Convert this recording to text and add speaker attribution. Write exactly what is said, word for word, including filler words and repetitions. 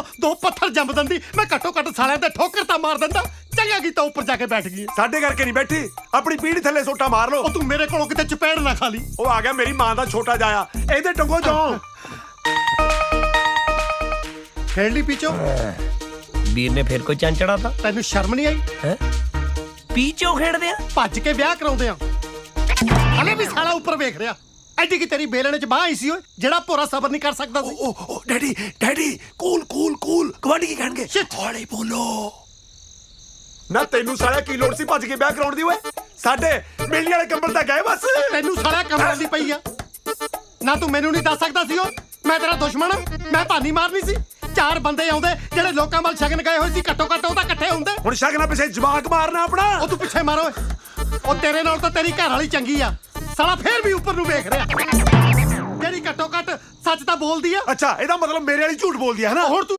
Speaker 1: ਦੋ ਪੱਥਰ ਜੰਮ ਦਿੰਦੀ, ਮੈਂ ਘੱਟੋ ਘੱਟ ਸਾਲਿਆਂ ਤੇ ਠੋਕਰ ਤਾਂ ਮਾਰ ਦਿੰਦਾ। ਚੰਗਾ ਕੀਤਾ ਉੱਪਰ ਜਾ ਕੇ ਬੈਠ ਗਈ।
Speaker 2: ਸਾਡੇ ਕਰਕੇ ਨਹੀਂ ਬੈਠੀ, ਆਪਣੀ ਪੀੜੀ ਥੱਲੇ ਸੋਟਾ ਮਾਰ ਲਓ।
Speaker 1: ਉਹ ਤੂੰ ਮੇਰੇ ਕੋਲੋਂ ਕਿਤੇ ਚਪੇੜ ਨਾ ਖਾ ਲਈ।
Speaker 2: ਉਹ ਆ ਗਿਆ ਮੇਰੀ ਮਾਂ ਦਾ ਛੋਟਾ ਜਾਇਆ, ਇਹਦੇ ਟੰਗੋ ਜਾਓ।
Speaker 1: ਖੇਡ ਲਈ ਪੀਚੋ।
Speaker 3: ਵੀਰ ਨੇ ਫਿਰ ਕੋਈ ਚੰਨ ਚੜਾਤਾ।
Speaker 1: ਤੈਨੂੰ ਸ਼ਰਮ ਨਹੀਂ ਆਈ?
Speaker 3: ਹੈ ਪੀਚੋ ਖੇਡਦੇ ਆ,
Speaker 1: ਭੱਜ ਕੇ ਵਿਆਹ ਕਰਾਉਂਦੇ ਆ। ਹਲੇ ਵੀ ਸਾਲਾ ਉੱਪਰ ਵੇਖ ਰਿਹਾ। ਐਡੀ ਕੀ ਤੇਰੀ ਬੇਲਣੇ ਚ ਬਾਹ ਆਈ ਸੀ ਓਏ, ਜਿਹੜਾ ਭੋਰਾ ਸਬਰ ਨਹੀਂ ਕਰ ਸਕਦਾ ਸੀ।
Speaker 2: ਓ ਓ daddy daddy cool cool cool, ਗਵਾਂਢੀ ਕੀ ਕਹਿਣਗੇ?
Speaker 1: Shit!
Speaker 2: ਹੌਲੀ ਬੋਲੋ ਨਾ। ਤੈਨੂੰ ਸਾਲਿਆ ਕੀ ਲੋੜ ਸੀ ਭੱਜ ਕੇ ਵਿਆਹ ਕਰਾਉਣ ਦੀ ਓਏ? ਸਾਡੇ ਮੇਲੀ ਵਾਲੇ ਕੰਬਲ ਤਾਂ ਗਏ ਬਸ।
Speaker 1: ਤੈਨੂੰ ਸਾਲਾ ਕਮਰਾਂ ਦੀ ਪਈ ਆ ਨਾ। ਤੂੰ ਮੈਨੂੰ ਨਹੀਂ ਦੱਸ ਸਕਦਾ ਸੀ? ਉਹ ਮੈਂ ਤੇਰਾ ਦੁਸ਼ਮਣ ਆ? ਮੈਂ ਭਾਨੀ ਮਾਰਨੀ ਸੀ? ਚਾਰ ਬੰਦੇ ਆਉਂਦੇ ਜਿਹੜੇ ਲੋਕਾਂ ਵੱਲ ਸ਼ਗਨ ਗਏ ਹੋਏ ਸੀ, ਘੱਟੋ ਘੱਟ ਉਹ ਤਾਂ ਇਕੱਠੇ ਹੁੰਦੇ।
Speaker 2: ਹੁਣ ਸ਼ਗਨਾਂ ਪਿੱਛੇ ਜਵਾਕ ਮਾਰਨਾ ਆਪਣਾ।
Speaker 1: ਉਹ ਤੂੰ ਪਿੱਛੇ ਮਾਰੋ। ਉਹ ਤੇਰੇ ਨਾਲ ਤਾਂ ਤੇਰੀ ਘਰ ਵਾਲੀ ਚੰਗੀ ਆ। ਸਾਲਾ ਫੇਰ ਵੀ ਉੱਪਰ ਨੂੰ ਵੇਖ ਰਿਹਾ। ਜਿਹੜੀ ਘੱਟੋ ਘੱਟ ਸੱਚ ਤਾਂ ਬੋਲਦੀ ਆ।
Speaker 2: ਅੱਛਾ, ਇਹਦਾ ਮਤਲਬ ਮੇਰੇ ਵਾਲੀ ਝੂਠ ਬੋਲਦੀ ਹੈ ਨਾ?
Speaker 1: ਹੁਣ ਤੂੰ